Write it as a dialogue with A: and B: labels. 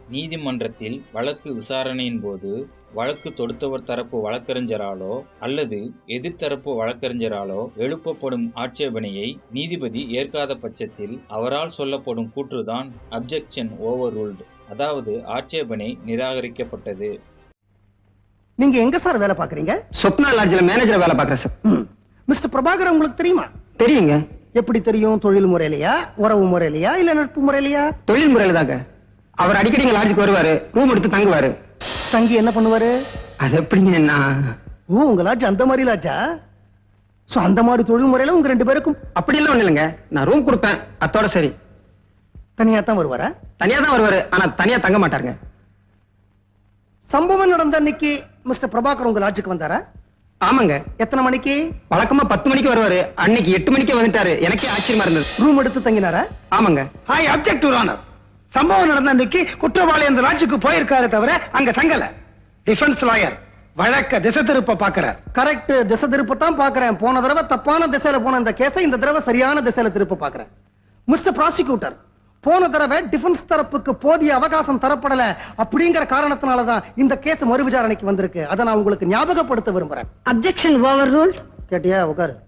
A: நீதிமன்றத்தில் வழக்கு விசாரணையின் போது வழக்கு தொடுத்தவர் தரப்பு வழக்கறிஞராலோ அல்லது எதிர்த்தரப்பு வழக்கறிஞராலோ எழுப்பப்படும் ஆட்சேபனையை நீதிபதி ஏற்காத பட்சத்தில் அவரால் சொல்லப்படும் கூற்றுதான் அப்ஜெக்ஷன் ஓவர் ரூல்டு, அதாவது ஆட்சேபனை நிராகரிக்கப்பட்டது.
B: நீங்க எங்க சார் வேலை பாக்குறீங்க?
C: சொப்னா லாட்ஜில் மேனேஜர் வேலை பாக்குறேன் சார்.
B: மிஸ்டர் பிரபாகர் உங்களுக்கு தெரியுமா?
C: தெரியுங்க.
B: எப்படி தெரியும்? தொழில் முறையிலையா, உறவு முறையிலையா, இல்ல நட்பு முறையிலையா?
C: தொழில் முறையில தாங்க. அவர் அடிக்கடி லாட்ஜுக்கு வருவாரு, ரூம் எடுத்து தங்குவாரு.
B: தங்கி என்ன பண்ணுவாரு?
C: அது எப்படிங்க?
B: உங்க லாட்ஜ் அந்த மாதிரி லாட்ஜா? சோ அந்த மாதிரி தொழில் முறையில உங்க 2 பேருக்கும்
C: அப்படி எல்லாம் ஒண்ணு இல்லைங்க. நான் ரூம் கொடுப்பேன், அத்தோட சரி.
B: தனியா தான் வருவாரா?
C: தனியா தான் வருவாரு, ஆனா தனியா தங்க மாட்டாருங்க.
B: சம்பவம் நடந்த அன்னைக்கு மிஸ்டர் பிரபாகர் உங்க லாட்ஜுக்கு வந்தாரா?
C: ஆமாங்க.
B: எத்தனை மணிக்கு?
C: வழக்கமா 10 மணிக்கு வருவாரு, அன்னைக்கு 8 மணிக்கே வந்துட்டாரு. எனக்கே ஆச்சரியமா இருந்தது.
B: ரூம் எடுத்து தங்கினாரா?
C: ஆமாங்க.
D: I object your honour. சம்பவம் நடந்த அன்னைக்கு குற்றவாளி அந்த லாட்ஜுக்கு போயிருக்காரு தவிர அங்க தங்கல. டிஃபென்ஸ் லாயர் வழக்க திசை திருப்ப பாக்குறார்.
B: கரெக்ட், திசை திருப்பத்தான் பாக்குறேன். போன தடவை தப்பான திசையில போன இந்த கேஸை இந்த தடவை சரியான திசையில திருப்ப பாக்குறேன். மிஸ்டர் ப்ராசிக்யூட்டர், போன தடவை டிஃபென்ஸ் தரப்புக்கு போதிய அவகாசம் தரப்படல அப்படிங்கிற காரணத்தினாலதான் இந்த கேஸ் மறு விசாரணைக்கு வந்திருக்கு. அதை நான் உங்களுக்கு ஞாபகப்படுத்த விரும்புறேன்.
E: Objection overruled.
B: கேட்டியா? உட்காரு.